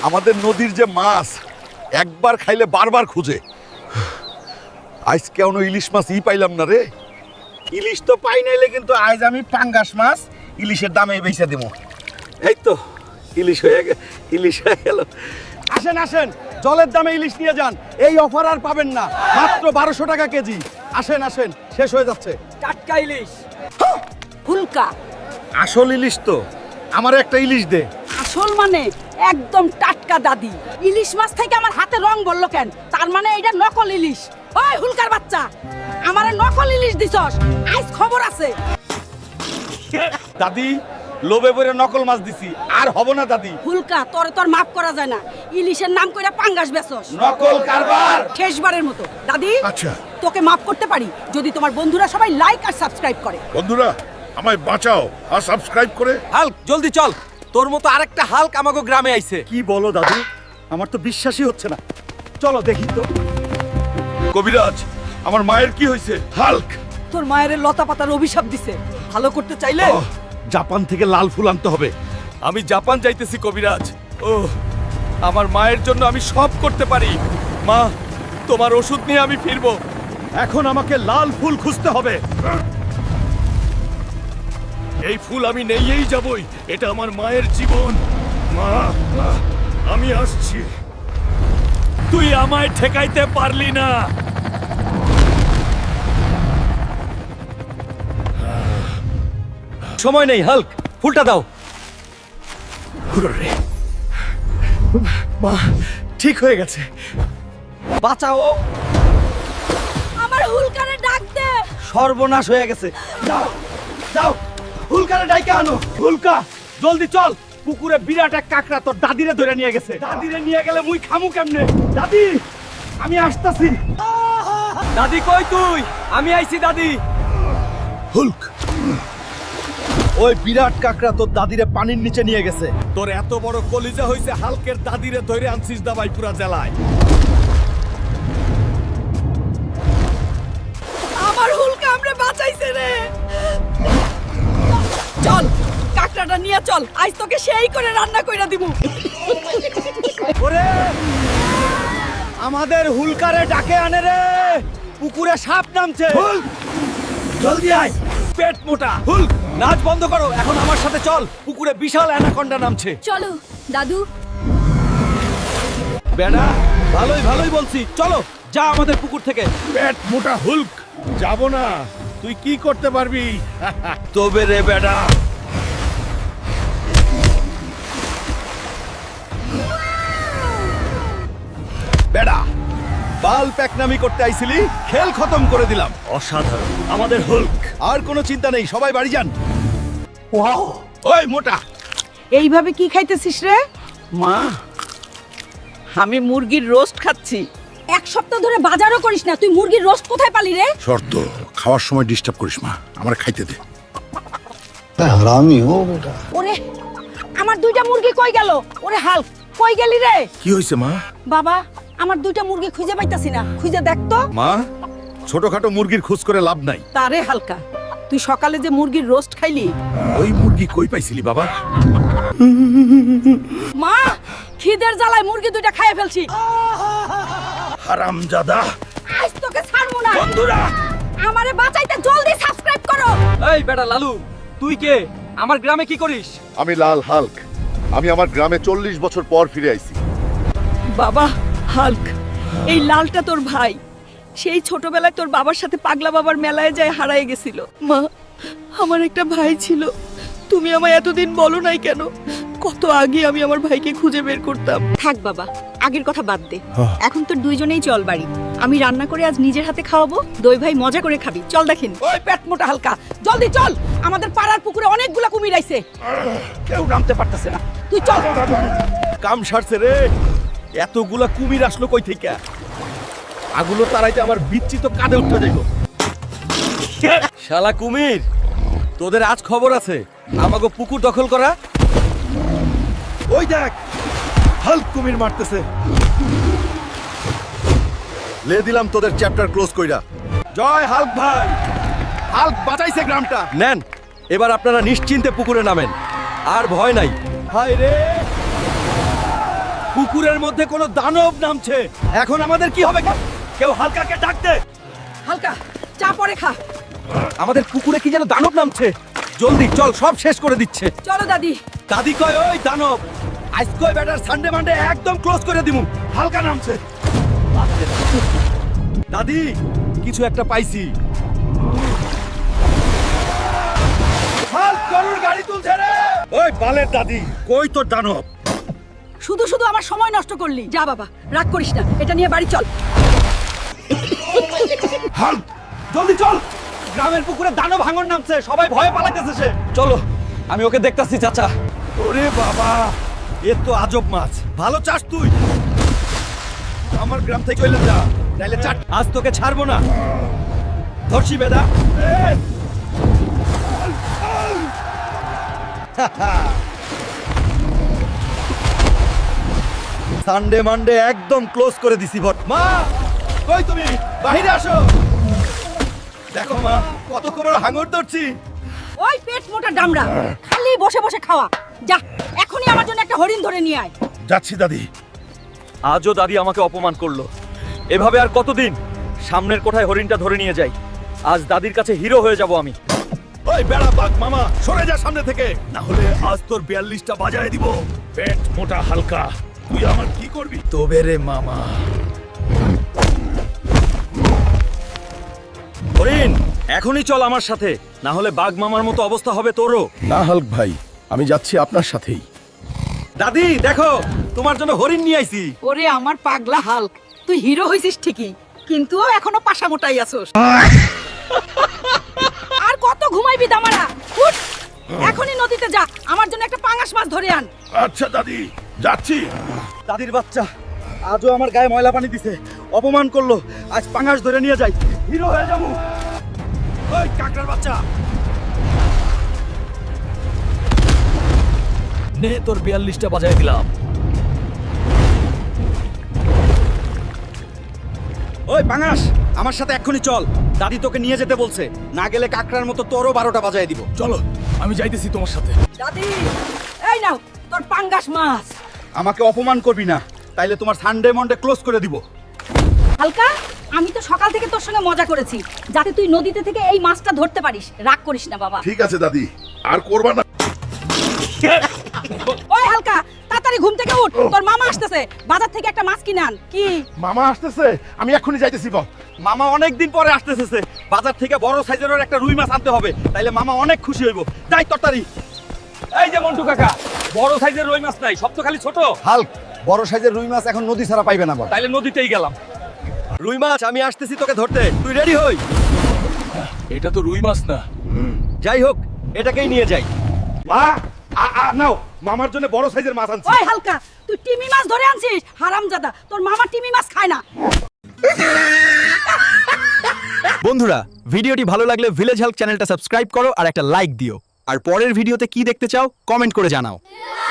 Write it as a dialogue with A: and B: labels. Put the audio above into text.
A: আমাদের নদীর যে মাছ একবার খাইলে বারবার খুঁজে। আজ কেন ইলিশ মাছ পাইলাম না রে।
B: ইলিশ তো পাই নাইলে কিন্তু আজ আমি পাঙ্গাস মাছ ইলিশের দামে বেচে দেবো।
A: এই তো ইলিশ হয়ে গেল।
B: আসেন আসেন, জলের দামে ইলিশ নিয়ে যান। এই অফার আর পাবেন না, মাত্র 1200 টাকা কেজি। আসেন আসেন, শেষ হয়ে যাচ্ছে।
C: টাটকা ইলিশ ফুলকা।
B: আসল ইলিশ তো, আমার একটা ইলিশ দে।
C: আসল মানে একদম টাটকা দাদি। ইলিশ মাছ থেকে আমার হাতে রং বললো কেন? তার মানে এটা নকল ইলিশ। ওই হুলকার বাচ্চা, আমারে নকল ইলিশ দিছস, আজ খবর আছে।
B: দাদি, লোভে পড়ে নকল মাছ দিছি, আর হব না দাদি।
C: হুলকা, তোর মাফ করা যায় না। ইলিশের নাম কইরা পাঙ্গাস বেচস,
B: নকল কারবার।
C: শেষবারের মতো দাদি,
A: আচ্ছা
C: তোকে মাফ করতে পারি যদি তোমার বন্ধুরা সবাই লাইক আর সাবস্ক্রাইব করে।
A: বন্ধুরা আমায় বাঁচাও আর সাবস্ক্রাইব করে।
D: হাল্ক জলদি চল, তোর মতো আরেকটা হাল্ক আমাগো গ্রামে আইছে।
B: কি বলো দাদু, আমার তো বিশ্বাসই হচ্ছে না। চলো দেখি তো।
A: কবিরাজ, আমার মায়ের কি হয়েছে? হাল্ক।
C: তোর মায়ের লতা পাতার অভিশাপ দিছে, ভালো করতে চাইলে
B: জাপান থেকে লাল ফুল আনতে হবে।
D: আমি জাপান যাইতেছি কবিরাজ। ও, আমার মায়ের জন্য আমি সব করতে পারি। মা, তোমার ওষুধ নিয়ে আমি ফিরবো।
B: এখন আমাকে লাল ফুল খুঁজতে হবে।
D: এই ফুল আমি নেইয়েই যাবই, এটা আমার মায়ের জীবন। মা, আমি আসছি। তুই আমায় ঠেকাইতে পারলি না। সময় নেই হাল্ক, ফুলটা দাও।
B: মা ঠিক হয়ে গেছে, বাঁচাও।
C: আমার হুলকারে ডাক দে।
B: সর্বনাশ হয়ে গেছে। যাও যাও, হুলকারে ডাইকে আনো। হুলকা জলদি চল, পুকুরে বিরাট এক কাকড়া তোর দাদিরে ধরে নিয়ে গেছে। দাদিরে নিয়ে গেলে মুই খামু কেমনে? দাদি, আমি আসতাছি।
D: দাদি কই তুই? আমি আইছি দাদি।
A: হুল্ক,
B: ওই বিরাট কাকড়া তোর দাদিরে পানির নিচে নিয়ে গেছে।
D: তোর এত বড় কলিজা হইছে, হালকের দাদিরে ধরে আনছিস দাবাই পুরা জেলায়।
C: আমার হুলকা আমরে বাঁচাইছে রে। চল, কাকড়াটা নিয়ে চল, আজ তোকে সেই করে রান্না কইরা দিমু।
B: ওরে, আমাদের হুলকারে ডাকে আনে রে। পুকুরে সাপ নামছে। জলদি আয়।
D: পেট মোটা হুল্ক, নাচ বন্ধ করো, এখন আমার সাথে চল। পুকুরে বিশাল অ্যানাকন্ডা নামছে।
C: চলো দাদু।
D: বেড়া, ভালোই বলছি, চলো যা আমাদের পুকুর থেকে।
A: পেট মোটা হুল্ক, যাব না। তুই কি করতে পারবি?
D: তবে রে বেড়া।
B: বেড়া, বাল প্যাকনামি করতে আইছিলি, খেল খতম করে দিলাম।
D: অসাধারণ।
B: আমাদের হুলক। আর কোনো চিন্তা নেই, সবাই বাড়ি যান। ওয়াও, ওই মোটা।
C: এইভাবে কি খাইতেছিস রে?
B: মা,
C: আমি মুরগির রোস্ট খাচ্ছি। এক সপ্তাহ ধরে বাজারও করিস না, তুই মুরগির রোস্ট কোথায় পালি রে?
A: শর্ত, খাওয়ার সময় ডিস্টার্ব করিস মা, আমার খাইতে দে।
E: हरामी हो बेटा।
C: ওরে, আমার দুইটা মুরগি কই গেল? ওরে হাল্ক, কই গেলি রে?
A: কি হয়েছে মা?
C: বাবা, আমার দুইটা মুরগি খুঁজে পাইতাছি না, খুঁজে দেখ তো।
A: মা, ছোটখাটো মুরগির খোঁজ করে লাভ নাই।
C: তারে হালকা, তুই সকালে যে মুরগির রোস্ট খাইলি,
A: ওই মুরগি কই পাইছিলি বাবা?
C: মা খিদের জ্বালায় মুরগি দুইটা খাইয়ে ফেলছি।
A: হারামজাদা।
C: আজ তোকে ছাড়বো না।
A: বন্ধুরা,
C: আমারে বাঁচাইতে জলদি সাবস্ক্রাইব করো।
D: এই বেটা লালু, তুই কে? আমার গ্রামে কি করিস?
A: আমি লাল হাল্ক। আমি আমার গ্রামে 40 বছর পর ফিরে আইছি।
C: বাবা হাল্ক, এই লালটা তোর ভাই। সেই ছোটবেলায় তোর বাবার সাথে পাগলা বাবার মেলায় যায় হারায় গেছিল। মা, আমার একটা ভাই ছিল, তুমি আমায় এতদিন বলো নাই কেন? কত আগে আমি আমার ভাইকে খুঁজে বের করতাম। থাক বাবা, আগের কথা বাদ দে। এখন তো দুইজনেই চল বাড়ি। আমি রান্না করে আজ নিজের হাতে খাওয়াবো, দই ভাই মজা করে খাবি। চল দেখেন। ওই পেট মোটা হালকা, জলদি চল, আমাদের পাড়ার পুকুরে অনেকগুলা কুমির আইছে।
B: কেউ নামতে পারতেছে না।
C: তুই চল।
B: কাম সারছে রে, এতগুলা কুমির আসলো কই থেকে? আগুলো তারাইতে আমার বিচ্ছি তো কাঁধে উঠতে যাইব।
D: শালা কুমির, তোদের আজ খবর আছে। আমাগো পুকুর দখল করা।
B: ওই দেখ, হাল্ক কুমির মারতেছে।
A: লে দিলাম তোদের চ্যাপ্টার ক্লোজ কইরা।
B: জয় হাল্ক ভাই, হাল্ক বাঁচাইছে গ্রামটা।
D: নেন, এবার আপনারা নিশ্চিন্তে পুকুরে নামেন, আর ভয় নাই।
B: হায় রে, পুকুরের মধ্যে কোনো দানব নামছে। এখন আমাদের কি হবে? কেউ হালকাকে ডাক দে।
C: হালকা চা পরে খা।
B: আমাদের পুকুরে কি যেন দানব নামছে। জলদি চল, সব শেষ করে দিচ্ছে।
C: চলো দাদি।
B: দাদি কয় ওই দানব আজ কয় ব্যাটার সানডে মানডে একদম ক্লোজ করে দিমু। হালকা নামছে। দাদি কিছু একটা পাইছি। হাল্ক গরুর গাড়ি তুলছে রে। ওই বালের দাদি কই তোর দানব?
C: শুধু শুধু আমার সময় নষ্ট করলি। যা বাবা, রাগ করিস না, এটা নিয়ে বাড়ি চল।
B: হাল্ক জলদি চল, গ্রামের পুকুরে দানব ভাঙন নামছে, সবাই ভয়ে পালাইতেছে সে। চলো আমি ওকে দেখতাছি চাচা। ওরে বাবা এ তো আজব মাছ। ভালো চাস তুই, আমার গ্রাম থেকে চলে যা, নাইলে চাট। আজ তোকে ছাড়বো না। ধরছি বেদা। সানডে মানডে একদম ক্লোজ করে দিছি। ভট মা কই তুমি? বাইরে আসো। দেখো মা কত বড় হাঙর ধরছি।
C: ওই পেট মোটা ডামরা, খালি বসে বসে খাওয়া। যা এখনই আমার জন্য একটা হরিণ ধরে নিয়ে আয়।
B: যাচ্ছি দাদি। আজও দাদি আমাকে অপমান করলো। এভাবে আর কতদিন? সামনের কোঠায় হরিণটা ধরে নিয়ে যাই। আজ দাদির কাছে হিরো হয়ে যাব আমি।
D: ওই বেড়া বাঘ মামা সরে যা সামনে থেকে, না হলে আজ তোর 42টা বাজায় দিব। পেট মোটা হালকা, তুই আমার কি করবি?
B: তবে রে মামা। হরিণ এখনই চল আমার সাথে, না হলে বাঘ মামার মতো অবস্থা হবে তোরও।
D: না হাল্ক ভাই, আমি যাচ্ছি আপনার সাথেই।
B: দাদি দেখো তোমার জন্য হরিণ নিয়ে আইছি।
C: ওরে আমার পাগলা হাল্ক, তুই হিরো হইছিস ঠিকই, কিন্তু এখনো পাশা মোটাই আছোস। আর কত ঘুমাইবি দামারা? উঠ, এখনই নদীতে যা, আমার জন্য একটা পাঙাশ মাছ ধরে আন।
D: আচ্ছা দাদি, যাচ্ছি।
B: দাদির বাচ্চা আজও আমার গায়ে ময়লা পানি দিছে, অপমান করলো। আজ পাঙাশ ধরে নিয়ে যাই, হিরো হয়ে যাবো। ওই কাকড়ার বাচ্চা
D: নে তোর 42টা বাজায় দিলাম।
B: ওই পাঙাশ আমার সাথে এক্ষুনি চল, দাদি তোকে নিয়ে যেতে বলছে। না গেলে কাকড়ার মতো তোরও 12টা বাজায় দিব।
D: চলো আমি যাইতেছি তোমার সাথে।
C: দাদি এই নাও তোর পাঙ্গাস মাছ।
B: আমাকে অপমান করবি না, তাইলে তোমার সানডে মন্ডে ক্লোজ করে দিব।
C: হালকা, আমি তো সকাল থেকে তোর সঙ্গে মজা করেছি যাতে তুই নদীতে থেকে এই মাছটা ধরতে পারিস। রাগ করিস না বাবা।
A: ঠিক আছে দাদি, আর করবা না।
C: ওই হালকা, তাড়াতাড়ি ঘুম থেকে উঠ, তোর মামা আসতেছে, বাজার থেকে একটা মাছ কিনে আন। কি?
A: মামা আসতেছে, আমি এক্ষুনি যাইতেছি। বল
B: মামা অনেক দিন পরে আসতেছে, বাজার থেকে বড় সাইজের একটা রুই মাছ আনতে হবে, তাইলে মামা অনেক খুশি হইব। যাই তরতারি। এই যে মন্টু কাকা, বড় সাইজের রুই মাছ নাই, সব তো খালি ছোট।
E: হাল্ক বড় সাইজের রুই মাছ এখন নদী ছাড়া পাইবে না বল।
B: তাইলে নদীতেই গেলাম। রুই মাছ আমি আসতেছি তোকে ধরতে, তুই রেডি হই।
D: এটা তো রুই মাছ না।
B: যাই হোক এটাকেই নিয়ে যাই। মা নাও, মামার জন্য বড় সাইজের মাছ আনছি।
C: ওই হালকা, তুই টিমি মাছ ধরে আনছিস? হারামজাদা, তোর মামা টিমি মাছ খায় না।
F: বন্ধুরা, ভিডিওটি ভালো লাগলে ভিলেজ হেল্প চ্যানেলটা সাবস্ক্রাইব করো আর একটা লাইক দিও। আর পরের ভিডিওতে কি দেখতে চাও কমেন্ট করে জানাও।